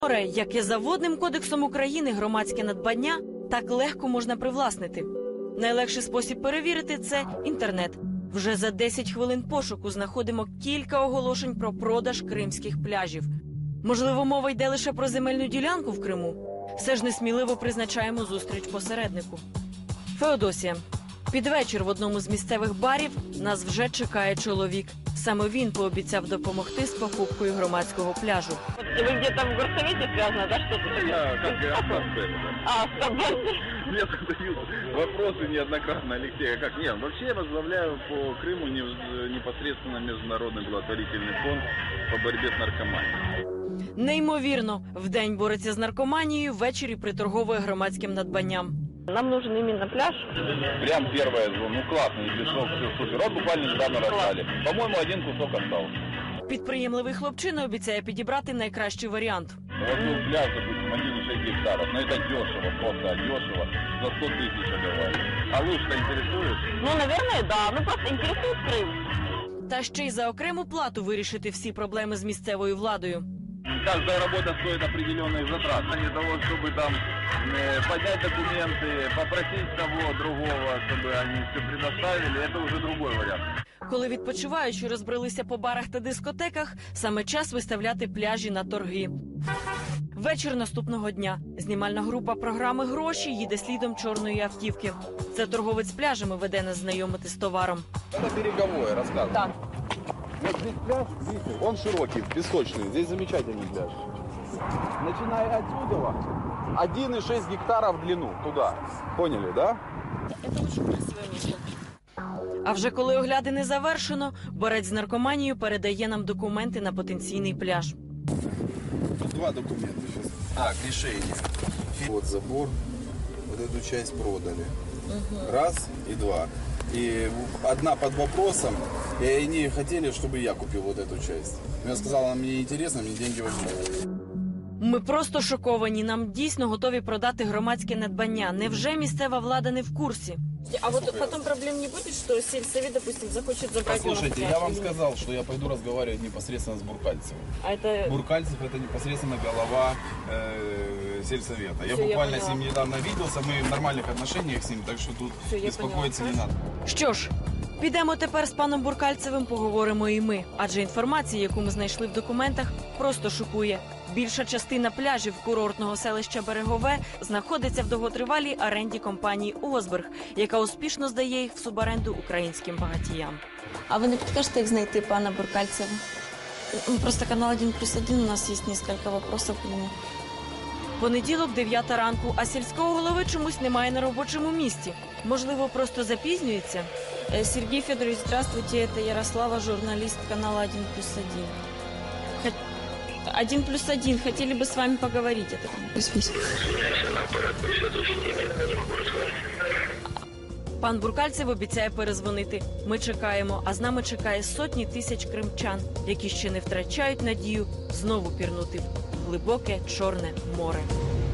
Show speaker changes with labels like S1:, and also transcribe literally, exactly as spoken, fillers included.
S1: Море, яке за Водним кодексом України громадське надбання, так легко можна привласнити. Найлегший спосіб перевірити – це інтернет. Вже за десять хвилин пошуку знаходимо кілька оголошень про продаж кримських пляжів. Можливо, мова йде лише про земельну ділянку в Криму? Все ж несміливо призначаємо зустріч посереднику. Феодосія. Під вечір в одному з місцевих барів нас вже чекає чоловік. Саме він пообіцяв допомогти з покупкою громадського пляжу.
S2: Ви где-то в горсовете связано, да, что-то?
S3: Я как автоспер.
S2: А, автоспер.
S3: Мне задают вопросы неоднократно, Алексей, а как? Нет, вообще я возглавляю по Крыму непосредственно Международный благотворительный фонд по борьбе с наркоманией.
S1: Неймовірно, вдень бореться з наркоманією, ввечері приторговує громадським надбанням.
S2: Нам нужен именно пляж.
S3: Прям первая зона, ну классный, песок, все супер. Вот буквально недавно раздали. По-моему, один кусок остался.
S1: Підприємливий хлопчина обіцяє підібрати найкращий варіант.
S3: Вот ну, пляж, допустим, один и шесть гектаров. Но это дешево, просто дешево. За сто тысяч отдавали. А лучше-то интересует?
S2: Ну, наверное, да. Ну, просто интересует Крым.
S1: Та ще й за окрему плату вирішити всі проблеми з місцевою владою.
S3: Каждая работа стоит определенных затрат. Для того, чтобы там э, поднять документы, попросить того, другого, чтобы они все предоставили, это уже другой вариант.
S1: Коли відпочиваючі розбрелися по барах та дискотеках, саме час виставляти пляжі на торги. Вечір наступного дня. Знімальна група програми «Гроші» їде слідом чорної автівки. Це торговець пляжами веде нас знайомити з товаром.
S4: Это береговое, рассказывай.
S2: Так.
S4: Вот здесь пляж, видите, он широкий, песочный, здесь замечательный пляж. Начиная отсюда, один и шесть гектаров в длину, туда. Поняли, да?
S2: Это очень красивое место.
S1: А вже коли оглядини завершено, борець з наркоманією передає нам документи на потенційний пляж.
S4: Тут два документа сейчас. Так, решение. Вот забор, вот эту часть продали. Раз и два. И одна под вопросом, и они хотели, чтобы я купил вот эту часть. Я сказал, она мне интересна, мне деньги возьмут.
S1: Ми просто шоковані. Нам дійсно готові продати громадське надбання. Невже місцева влада не в курсі?
S2: А вот потом проблем не будет, что сельсовет, допустим, захочет забрать у нас
S4: Послушайте,
S2: пляж
S4: я вам
S2: или нет?
S4: сказал, что я пойду разговаривать непосредственно с Буркальцевым.
S2: А это...
S4: Буркальцев это непосредственно голова э, сельсовета. Я
S2: Всё, я
S4: буквально с
S2: поняла.
S4: ним недавно виделся, мы в нормальных отношениях с ним, так что тут
S2: Всё, я
S4: беспокоиться не
S2: поняла.
S4: надо.
S1: Що ж, підемо тепер з паном Буркальцевим поговоримо і ми. Адже інформація, яку ми знайшли в документах, просто шокує. Більша частина пляжів курортного селища Берегове знаходиться в довготривалій оренді компанії «Озберг», яка успішно здає їх в суборенду українським багатіям.
S5: А ви не підкажете, як знайти пана Буркальцева? Ну, Просто канал один плюс один, у нас є кілька вопросів к нему.
S1: Понеділок, дев'ята ранку, а сільського голови чомусь немає на робочому місці. Можливо, просто запізнюється?
S5: Э, Сергей Федорович, здравствуйте, это Ярослава, журналист канала один плюс один. один плюс один, хотели бы с вами поговорить. Это...
S1: Пан Буркальцев обіцяє перезвонити. Ми чекаємо, а з нами чекає сотні тисяч кримчан, які ще не втрачають надію знову пірнути в глибоке Чорне море.